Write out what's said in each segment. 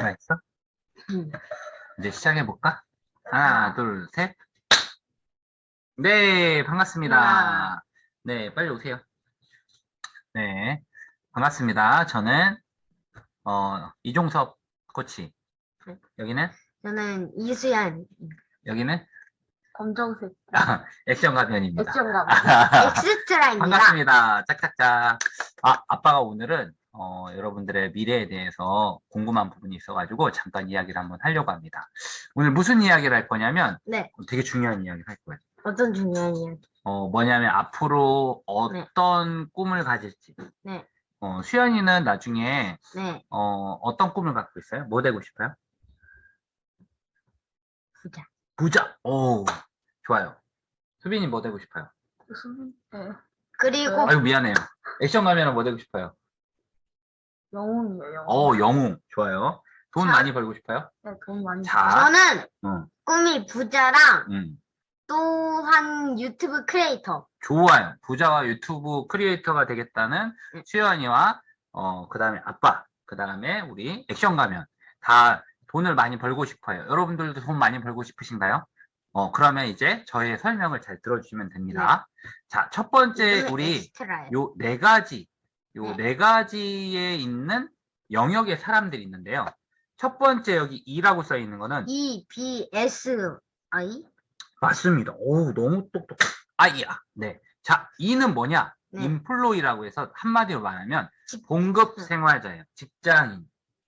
살아있어? 이제 시작해볼까? 하나, 둘, 셋. 네, 반갑습니다. 네, 빨리 오세요. 네, 반갑습니다. 저는, 이종섭 코치. 여기는? 저는 이수연. 여기는? 검정색. 액션 가면입니다. 액션 가면. 엑스트라입니다. 반갑습니다. 짝짝짝. 아빠가 오늘은, 여러분들의 미래에 대해서 궁금한 부분이 있어가지고 잠깐 이야기를 한번 하려고 합니다. 오늘 무슨 이야기를 할 거냐면, 네. 되게 중요한 이야기를 할 거예요. 어떤 중요한 이야기? 뭐냐면 앞으로 어떤 꿈을 가질지. 네. 수연이는 나중에, 네. 어떤 꿈을 갖고 있어요? 뭐 되고 싶어요? 부자. 부자. 오, 좋아요. 수빈이 뭐 되고 싶어요? 네. 그리고 아이고, 미안해요. 액션 가면은 뭐 되고 싶어요? 영웅이에요. 영웅. 영웅. 좋아요. 돈 많이 벌고 싶어요? 네, 돈 많이. 자, 저는 꿈이 부자랑 음, 또한 유튜브 크리에이터. 좋아요. 부자와 유튜브 크리에이터가 되겠다는 수연이와, 그 다음에 아빠, 그 다음에 우리 액션 가면 다 돈을 많이 벌고 싶어요. 여러분들도 돈 많이 벌고 싶으신가요? 그러면 이제 저의 설명을 잘 들어주시면 됩니다. 자, 첫 번째 우리 요 네 가지, 네 가지에 있는 영역의 사람들이 있는데요. 첫 번째 여기 E라고 써 있는 거는 EBSI? 맞습니다. 오, 너무 똑똑해. 아이야. 네. 자, E는 뭐냐? 네. 인플로이라고 해서 한마디로 말하면 봉급 생활자예요. 직장인.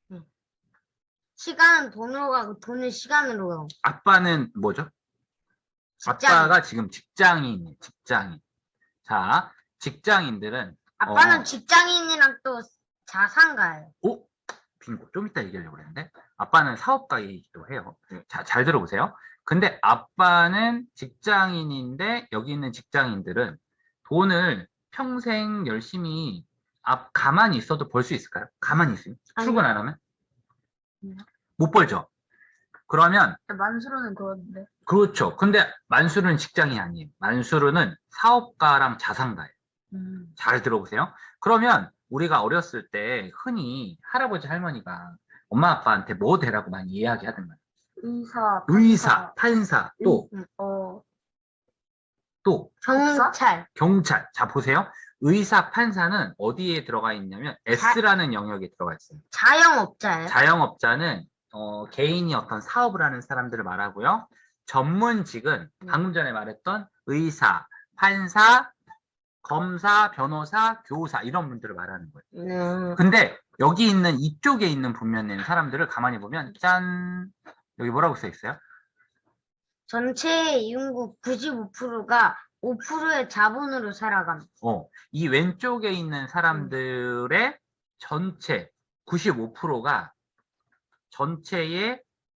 시간은 돈으로 가고 돈은 시간으로 가고. 아빠는 뭐죠? 직장인. 아빠가 지금 직장인이에요. 직장인. 자, 직장인들은 아빠는 직장인이랑 또 자산가예요. 오? 빙고. 좀 이따 얘기하려고 그랬는데 아빠는 사업가이기도 해요. 자, 잘 들어보세요. 근데 아빠는 직장인인데 여기 있는 직장인들은 돈을 평생 열심히 가만히 있어도 벌 수 있을까요? 가만히 있으면? 출근 안 하면? 못 벌죠. 그러면 만수르는 그런데. 그렇죠. 근데 만수르는 직장이 아니에요. 만수르는 사업가랑 자산가예요. 잘 들어보세요. 그러면 우리가 어렸을 때 흔히 할아버지 할머니가 엄마 아빠한테 뭐 되라고 많이 이야기하던 거예요. 의사, 판사, 또 경찰. 자, 보세요. 의사, 판사는 어디에 들어가 있냐면 S라는 영역에 들어가 있어요. 자영업자예요. 자영업자는 개인이 어떤 사업을 하는 사람들을 말하고요. 전문직은 방금 전에 말했던 의사, 판사, 검사, 변호사, 교사 이런 분들을 말하는 거예요. 근데 여기 있는 이쪽에 있는 분면에 있는 사람들을 가만히 보면 짠! 여기 뭐라고 써 있어요? 전체 인구 95%가 5%의 자본으로 살아갑니다. 이 왼쪽에 있는 사람들의 전체 95%가 전체의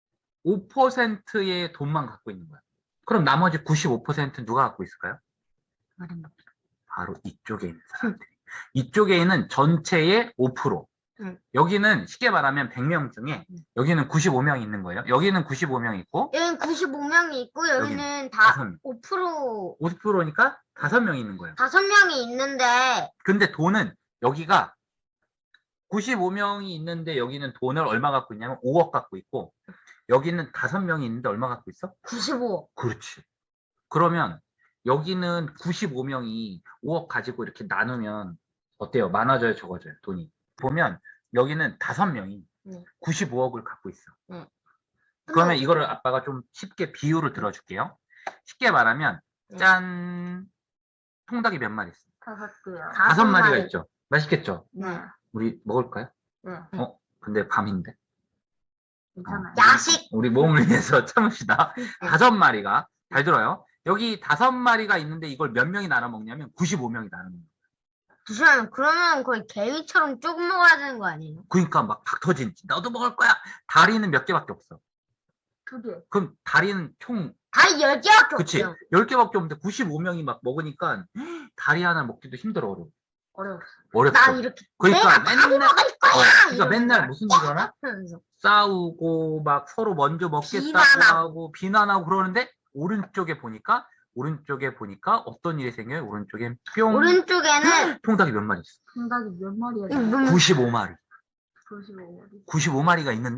5%의 돈만 갖고 있는 거야. 그럼 나머지 95%는 누가 갖고 있을까요? 바로 이쪽에 있는 사람들이. 이쪽에 있는 전체의 5%. 여기는 쉽게 말하면 100명 중에 여기는 95명이 있는 거예요. 여기는 95명 있고 여기는 95명이 있고 여기는 다 5%. 50%니까 5명이 있는 거예요. 5명이 있는데 근데 돈은 여기가 95명이 있는데 여기는 돈을 얼마 갖고 있냐면 5억 갖고 있고 여기는 5명이 있는데 얼마 갖고 있어? 95. 그렇지. 그러면 여기는 95명이 5억 가지고 이렇게 나누면 어때요? 많아져요? 적어져요? 돈이. 보면 여기는 5명이 95억을 갖고 있어. 그러면 이거를 아빠가 좀 쉽게 비유를 들어줄게요. 쉽게 말하면 짠! 통닭이 몇 마리 있어? 5개요. 5마리가 있죠? 맛있겠죠? 네. 우리 먹을까요? 네. 근데 밤인데. 괜찮아요. 야식. 우리 몸을 위해서 참읍시다. 5마리가 잘 들어요. 여기 5마리가 있는데 이걸 몇 명이 나눠 먹냐면 95명이 나눠 먹는 잠시만요. 그러면 거의 개미처럼 조금 먹어야 되는 거 아니에요? 그러니까 막 박 터진지 너도 먹을 거야. 다리는 몇 개밖에 없어. 2개. 그럼 다리는 총 다리 10개밖에 그치? 없어요. 10개밖에 없는데 95명이 막 먹으니까 다리 하나 먹기도 힘들어. 어렵어. 난 이렇게 그러니까 내가 맨날 먹을 거야. 그러니까 맨날 무슨 일 하나? 싸우고 막 서로 먼저 먹겠다고 하고 비난하고 그러는데 오른쪽에 보니까 어떤 일이 생겨요? 오른쪽엔 뿅. 오른쪽에는 통닭이 몇 마리 있어? 통닭이 몇 마리야? 95마리. 95마리. 95마리가 있는데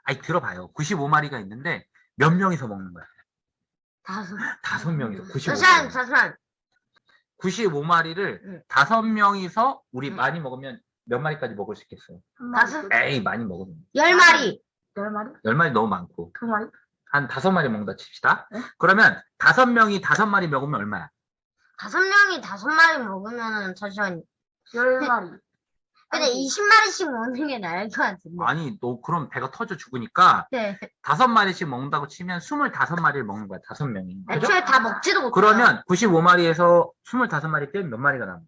아니, 들어봐요. 95마리가 있는데 몇 명이서 먹는 거야? 다섯. 5명이서 95마리. 잠시만. 95마리를 응. 5명이서 우리 응. 많이 먹으면 몇 마리까지 먹을 수 있겠어요? 다섯. 에이, 많이 먹으면. 10마리. 10마리? 10마리 너무 많고. 2마리? 한 5마리 먹는다 칩시다. 네? 그러면 5명이 5마리 먹으면 얼마야? 5명이 5마리 먹으면은 잠시만. 10마리. 근데 20마리씩 먹는 게 나을 것 같은데. 아니, 너 그럼 배가 터져 죽으니까 네. 5마리씩 먹는다고 치면 25마리를 먹는 거야, 5명이. 그죠? 애초에 다 먹지도 못해요. 그러면 95마리에서 25마리 빼면 몇 마리가 남아?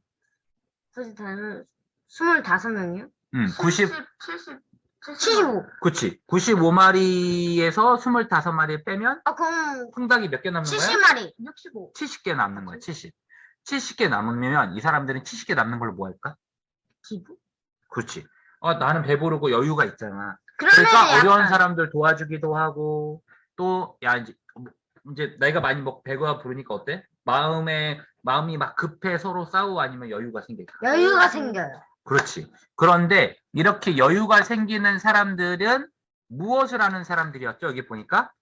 25명이요? 90, 75. 그치. 95마리에서 25마리 빼면 아, 그럼 통닭이 몇 개 남는 거야? 70마리. 65. 70개 남는 거야, 70. 70개 남으면 이 사람들은 70개 남는 걸로 뭐 할까? 기부? 그렇지. 나는 배부르고 여유가 있잖아. 그러면 그러니까 어려운 약간 사람들 도와주기도 하고, 또, 야, 이제 나이가 많이 먹고 배가 부르니까 어때? 마음이 막 급해 서로 싸우고 아니면 여유가 생길까? 여유가 생겨요. 그렇지. 그런데 이렇게 여유가 생기는 사람들은 무엇을 하는 사람들이었죠? 여기 보니까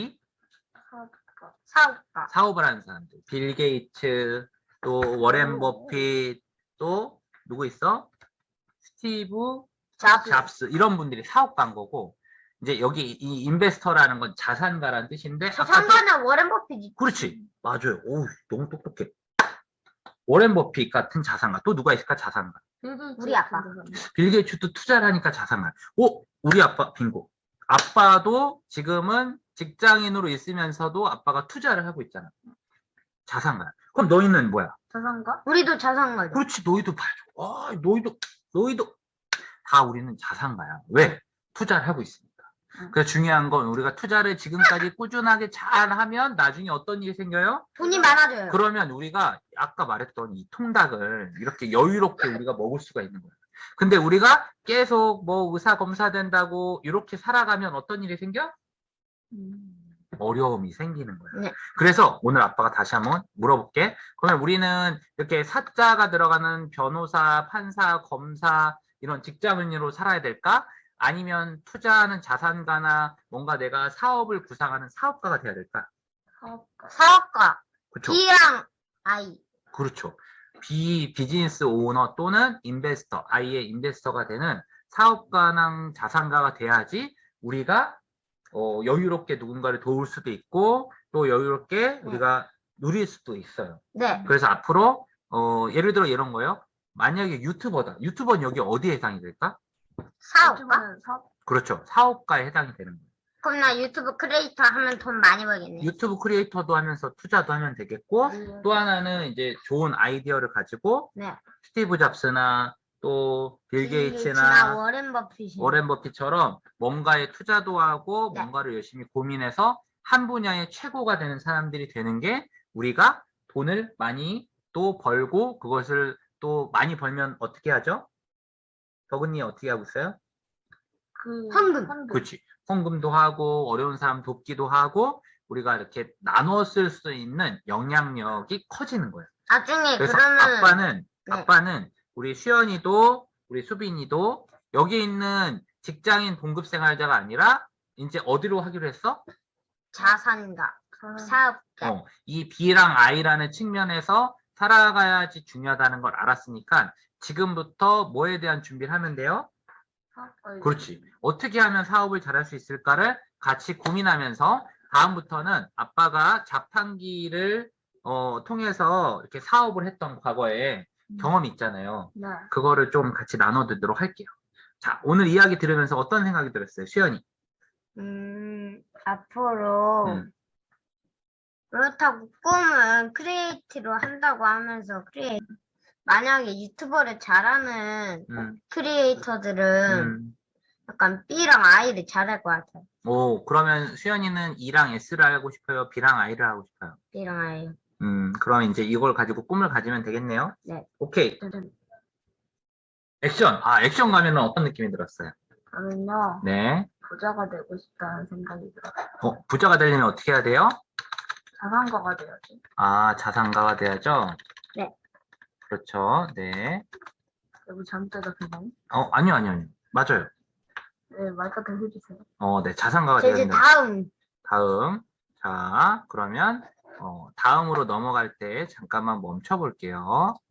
사업가. 사업을 하는 사람들. 빌 게이츠, 또 워렌 버핏, 또 누구 있어? 스티브 잡스 이런 분들이 사업가인 거고, 이제 여기 이 인베스터라는 건 자산가라는 뜻인데, 저 아까 3번은 워렌 버핏이. 그렇지. 맞아요. 오, 너무 똑똑해. 워렌 버핏 같은 자산가. 또 누가 있을까? 자산가. 우리 아빠. 빌 게이츠도 투자를 하니까 자산가. 우리 아빠 빙고. 아빠도 지금은 직장인으로 있으면서도 아빠가 투자를 하고 있잖아. 자산가. 그럼 너희는 뭐야? 자산가? 우리도 자산가죠. 그렇지. 너희도 봐줘. 너희도 다 우리는 자산가야. 왜? 투자를 하고 있으니까. 그래서 중요한 건 우리가 투자를 지금까지 꾸준하게 잘 하면 나중에 어떤 일이 생겨요? 돈이 많아져요. 그러면 우리가 아까 말했던 이 통닭을 이렇게 여유롭게 우리가 먹을 수가 있는 거예요. 근데 우리가 계속 뭐 의사 검사 된다고 이렇게 살아가면 어떤 일이 생겨? 어려움이 생기는 거예요. 네. 그래서 오늘 아빠가 다시 한번 물어볼게. 그러면 우리는 이렇게 사자가 들어가는 변호사, 판사, 검사 이런 직장인으로 살아야 될까? 아니면 투자하는 자산가나 뭔가 내가 사업을 구상하는 사업가가 돼야 될까? 사업가. 그렇죠. B랑 I. 그렇죠. 비즈니스 오너 또는 인베스터, 아이의 인베스터가 되는 사업가나 자산가가 돼야지 우리가 여유롭게 누군가를 도울 수도 있고 또 여유롭게 우리가 누릴 수도 있어요. 네. 그래서 앞으로 예를 들어 이런 거요. 만약에 유튜버다. 유튜버는 여기 어디에 해당이 될까? 사업가? 그렇죠. 사업가에 해당이 되는 거예요. 그럼 나 유튜브 크리에이터 하면 돈 많이 벌겠네. 유튜브 크리에이터도 하면서 투자도 하면 되겠고 또 하나는 이제 좋은 아이디어를 가지고 네. 스티브 잡스나 또 빌 빌 게이츠나 워렌 버핏이. 워렌 버핏처럼 뭔가에 투자도 하고 네. 뭔가를 열심히 고민해서 한 분야의 최고가 되는 사람들이 되는 게 우리가 돈을 많이 또 벌고 그것을 또 많이 벌면 어떻게 하죠? 덕은이 어떻게 하고 있어요? 헌금. 그렇지. 헌금도 하고 어려운 사람 돕기도 하고 우리가 이렇게 나눠 쓸 수 있는 영향력이 커지는 거예요. 나중에 그래서 그러면 아빠는 우리 수연이도 우리 수빈이도 여기 있는 직장인 봉급생활자가 아니라 이제 어디로 하기로 했어? 자산가. 사업가. 이 B랑 I라는 측면에서 살아가야지 중요하다는 걸 알았으니까 지금부터 뭐에 대한 준비를 하면 돼요? 그렇지. 어떻게 하면 사업을 잘할 수 있을까를 같이 고민하면서 다음부터는 아빠가 자판기를 통해서 이렇게 사업을 했던 과거에 경험이 있잖아요. 네. 그거를 좀 같이 나눠드리도록 할게요. 자, 오늘 이야기 들으면서 어떤 생각이 들었어요? 수연이. 앞으로 그렇다고 꿈은 크리에이티로 한다고 하면서 만약에 유튜버를 잘하는 크리에이터들은 약간 B랑 I를 잘할 것 같아요. 그러면 수연이는 E랑 S를 하고 싶어요? B랑 I를 하고 싶어요? B랑 I. 그럼 이제 이걸 가지고 꿈을 가지면 되겠네요. 네. 오케이. 액션. 액션 가면은 어떤 느낌이 들었어요? 저는요, 네. 부자가 되고 싶다는 생각이 들어요. 부자가 되려면 어떻게 해야 돼요? 자산가가 돼야지. 자산가가 돼야죠? 네. 그렇죠. 네. 여기 잘못되다 그냥. 아니요. 맞아요. 네, 마이크 더 해주세요. 네, 자산가가 자, 이제 되었는데. 다음. 자, 그러면, 다음으로 넘어갈 때 잠깐만 멈춰 볼게요.